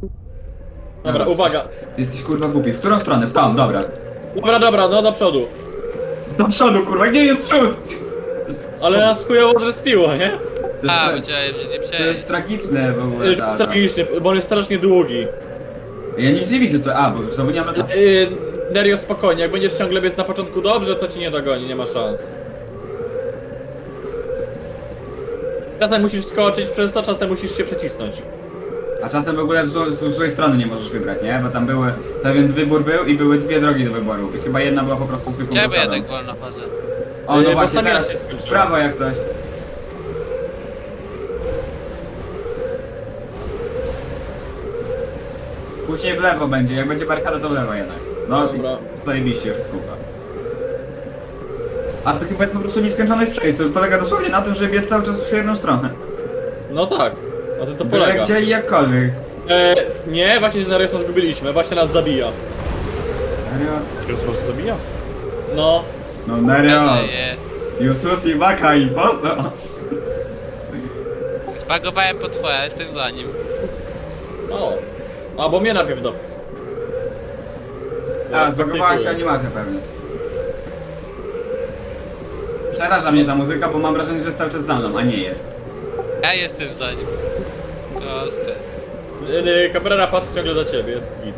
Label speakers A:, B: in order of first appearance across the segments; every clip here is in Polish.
A: Dobra, uwaga.
B: Ty jesteś kurwa głupi. W którą stronę? W tą, dobra.
A: Dobra, no do przodu.
B: Do przodu kurwa, gdzie jest przód?
A: Ale nas chujowo zrespiło, nie?
B: To
C: A,
B: jest,
C: powiedziałem, że nie
B: to jest
C: przejść.
B: tragiczne w ogóle.
A: To jest tragicznie, bo on jest strasznie długi.
B: Ja nic nie widzę tu. A, bo znowu nie mam...
A: Nerio, spokojnie, jak będziesz ciągle biec na początku dobrze, to ci nie dogoni, nie ma szans. Czasem musisz skoczyć przez to, czasem musisz się przecisnąć.
B: A czasem w ogóle z złej strony nie możesz wybrać, nie? Bo tam były... Pewien wybór był i były dwie drogi do wyboru. I chyba jedna była po prostu zwykłą
C: Czemu ja
B: blokadą.
C: tak wolno chodzę?
B: O, no
A: Bo
B: właśnie,
A: stamina
B: teraz
A: się
B: w
A: skończyła.
B: prawo jak coś. Później w lewo będzie, jak będzie barykada to w lewo jednak. No,
A: Dobra.
B: zajebiście już jest kółka. A to chyba jest po prostu nieskończoność przejść, to polega dosłownie na tym, że biec cały czas w jedną stronę.
A: No tak, na tym to
B: Byle
A: polega.
B: gdzie i jakkolwiek.
A: Nie, właśnie się z Neriosem zgubiliśmy, właśnie nas zabija.
B: Serio?
A: Nerios was zabija? No.
B: No Nerio,
C: Bezeje.
B: Jusus i Baka i posto.
C: Zbagowałem potwora, jestem za nim.
A: O. A, bo mnie najpierw do...
B: A, zbagowała się animacja pewnie. Przeraża mnie ta muzyka, bo mam wrażenie, że jest cały czas za mną, a nie jest.
C: Ja jestem za nim. Proste.
A: Cabrera patrzy ciągle za ciebie, jest git.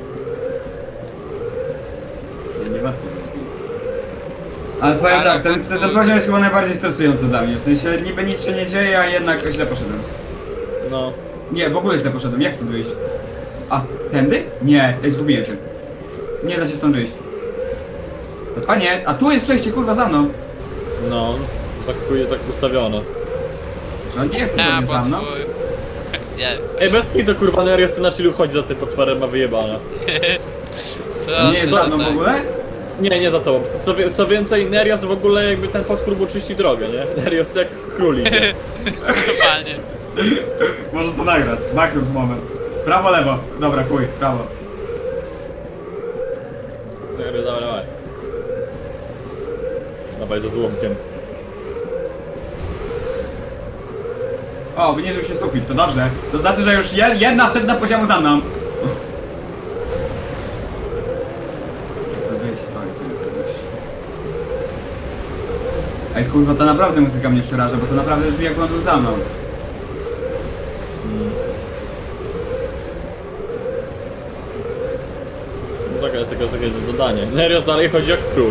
B: Ja nie warto. Ale powiem
C: Ale
B: tak, ten
C: potwór-
B: poziom jest chyba najbardziej stresujący dla mnie. W sensie niby nic się nie dzieje, a jednak źle poszedłem.
A: No.
B: Nie, w ogóle źle poszedłem. Jak stąd wyjść? A, tędy? Nie, zgubiłem się. Nie da się stąd wyjść. A nie, a tu jest przejście kurwa za mną.
A: No. Tak ustawione.
B: Że on nie jak to
C: A,
B: zrobił za mną?
C: potwór. Nie.
A: Ej, bez kitu kurwa Nerios na chillu chodzi za tym potworem, ma wyjebane.
B: Nie jest za mną w ogóle?
A: Nie za tobą. Co więcej, Nerios w ogóle jakby ten potwór mu czyści drogę, nie? Nerios jak królik. Nie?
C: Normalnie.
B: Może to nagrać. Magnus moment. Prawo, lewo. Dobra, chuj, prawo.
A: Nerios, dawaj. Dawaj ze złomkiem.
B: O, wyniżył się sufit, to dobrze. To znaczy, że już jedna setna poziomu za mną. Ej kurwa, to naprawdę muzyka mnie przeraża, bo to naprawdę brzmi jak on był za mną.
A: No taka jest takie zadanie. Nerios dalej chodzi jak król.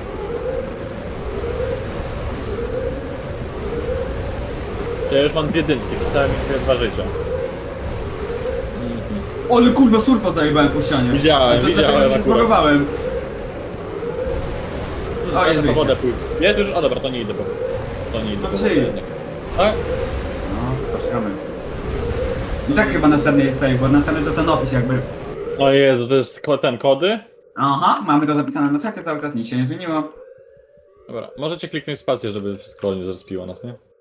A: Ja już mam dwie dynki, zostały mi tylko 2 życia.
B: Ale kurwa, surfa zajebałem po ścianie.
A: Widziałem,
B: to
A: widziałem
B: dlatego, że się
A: akurat.
B: zbagowałem. O,
A: Ja
B: jest
A: po
B: wyjście.
A: wodę pójdę. Jest już? A dobra, to nie idę po... To nie idę
B: No
A: po
B: przyjdź.
A: wodę jednak. Tak?
B: No, poczekamy. I tak chyba następny jest save, bo następny to ten opis jakby.
A: O Jezu, to jest ten kody?
B: Aha, mamy to zapisane na czacie cały czas, nic się nie zmieniło.
A: Dobra, możecie kliknąć spację, żeby wszystko nie zrespiło nas, nie?